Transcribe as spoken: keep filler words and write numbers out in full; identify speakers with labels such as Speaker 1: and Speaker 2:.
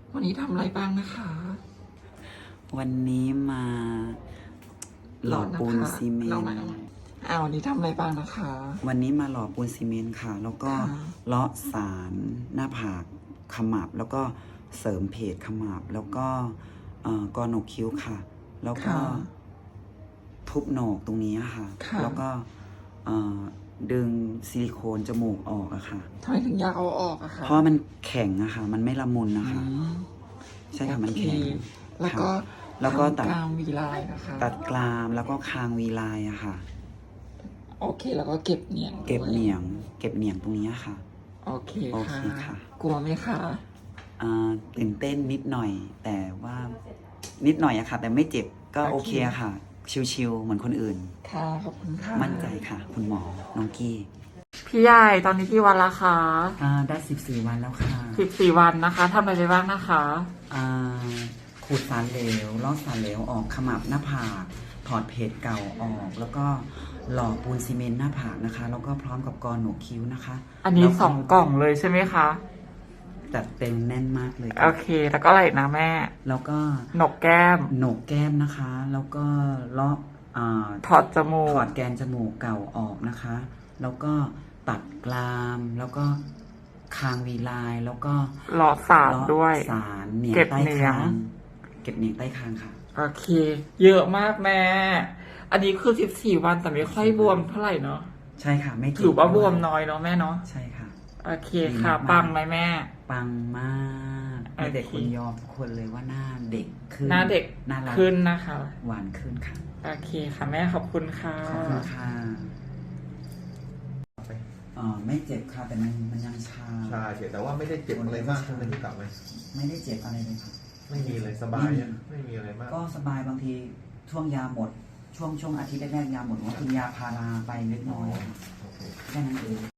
Speaker 1: วันนี้ทำอะไรบ้างนะคะ
Speaker 2: วันนี้มาหล่อปูนซีเมนต์
Speaker 1: อ้าววันนี้ทำอะไรบ้างนะคะ
Speaker 2: วันนี้มาหล่อปูนซีเมนต์ค่ะ แล้วก็เลาะสารหน้าผากขมับ แล้วก็เสริมเพจขมับ แล้วก็กอโหนกคิ้วค่ะ แล้วก็ทุบโหนกตรงนี้ค่ะ แล้วก็ดึงซิลิโคนจมูกออกอะค่ะ
Speaker 1: ทำไมถึงอยากเอาออกอะคะ
Speaker 2: เพราะมันแข็งอะค่ะ มันไม่ละมุนนะคะใช่ค่ะมันแข็ง
Speaker 1: แล้วก็
Speaker 2: แล้วก็ตัด
Speaker 1: กรามวีไลน์นะคะ
Speaker 2: ตัดกรามแล้วก็คางวีไลน์อะค่ะ
Speaker 1: โอเคแล้วก็เก็บเหนียง
Speaker 2: เก็บเหนียง เก็บเหนียงตรงนี้ค่ะ
Speaker 1: โอเค
Speaker 2: โอเค
Speaker 1: ค่ะ
Speaker 2: ค่ะ
Speaker 1: กลัวไหมคะ
Speaker 2: อ่าตื่นเต้นนิดหน่อย แต่ว่านิดหน่อยอะค่ะ แต่ไม่เจ็บก็โอเคอะค่ะ ชิวๆเหมือนคนอื่น
Speaker 1: ค่ะขอบคุณค่ะ
Speaker 2: มั่นใจค่ะ คุณหมอน้องกี้
Speaker 1: พี่ใหญ่ตอนนี้กี่วันละคะ
Speaker 2: อ่าได้สิบสี่วันแล้วค่ะ
Speaker 1: สิบสี่วันนะคะทำอะไรไปบ้างนะคะ
Speaker 2: อ่าขูดสารเหลวลอกสารเหลวออกขมับหน้าผากถอดเพจเก่าออก แล้วก็หล่อปูนซีเมนต์หน้าผากนะคะ แล้วก็พร้อมกับกอโหนกคิ้วนะคะ
Speaker 1: อันนี้สองกล่องเลยใช่ไหมคะ
Speaker 2: จัดเต็มแน่นมากเลย
Speaker 1: โอเคแล้วก็อะไรอีกนะแม่
Speaker 2: แล้วก็
Speaker 1: หนกแก้ม
Speaker 2: โหนกแก้มนะคะ แล้วก็เลาะอ่า
Speaker 1: ถอดจมูก
Speaker 2: ถอดแกนจมูกเก่าออกนะคะ แล้วก็ตัดกราม แล้วก็คางวีไลน์แล้วก็
Speaker 1: หลอดสารด้วย
Speaker 2: สารเหนียง
Speaker 1: เก็บ
Speaker 2: ใต้
Speaker 1: เหนียง
Speaker 2: คางเก็บเหนียงใต้คางค่ะ
Speaker 1: โอเค เยอะมากแม่ อันนี้คือสิบสี่วันแต่ไม่ค่อยบวมเท่าไหร่เนาะ
Speaker 2: ใช่ค่ะ ไม่เจ็
Speaker 1: ถือว่าบวมน้อยเนาะแม่เนาะ
Speaker 2: ใช่ค่ะ
Speaker 1: โอเคค่ะ ปังไหมแม่
Speaker 2: ปังมากมีแต่คนยอมทุกคนเลยว่าหน้าเด็กขึ้น
Speaker 1: หน้าเด็ก
Speaker 2: น่ารัก
Speaker 1: ขึ้นนะคะ
Speaker 2: หวานขึ้นค่ะ
Speaker 1: โอเคค่ะแม่ขอบคุณค่ะ
Speaker 2: ขอบคุณค่ะอ๋อไม่เจ็บค่ะแต่มันมันยังชา
Speaker 3: ใช่เฉยแต่ว่าไม่ได้เจ็บอะไรมากใช่ไหมที่กลับไหม
Speaker 2: ไม่ได้เจ็บอะไรเลยค่ะ
Speaker 3: ไม่มีเลยสบายอะไม่มีอะไรมาก
Speaker 2: ก็สบายบางทีช่วงยาหมด ช่วงช่วงอาทิตย์แรกๆยาหมดว่ากินยาพาราไปเล็กน้อย
Speaker 3: โอเค
Speaker 2: แค่นั้นเอง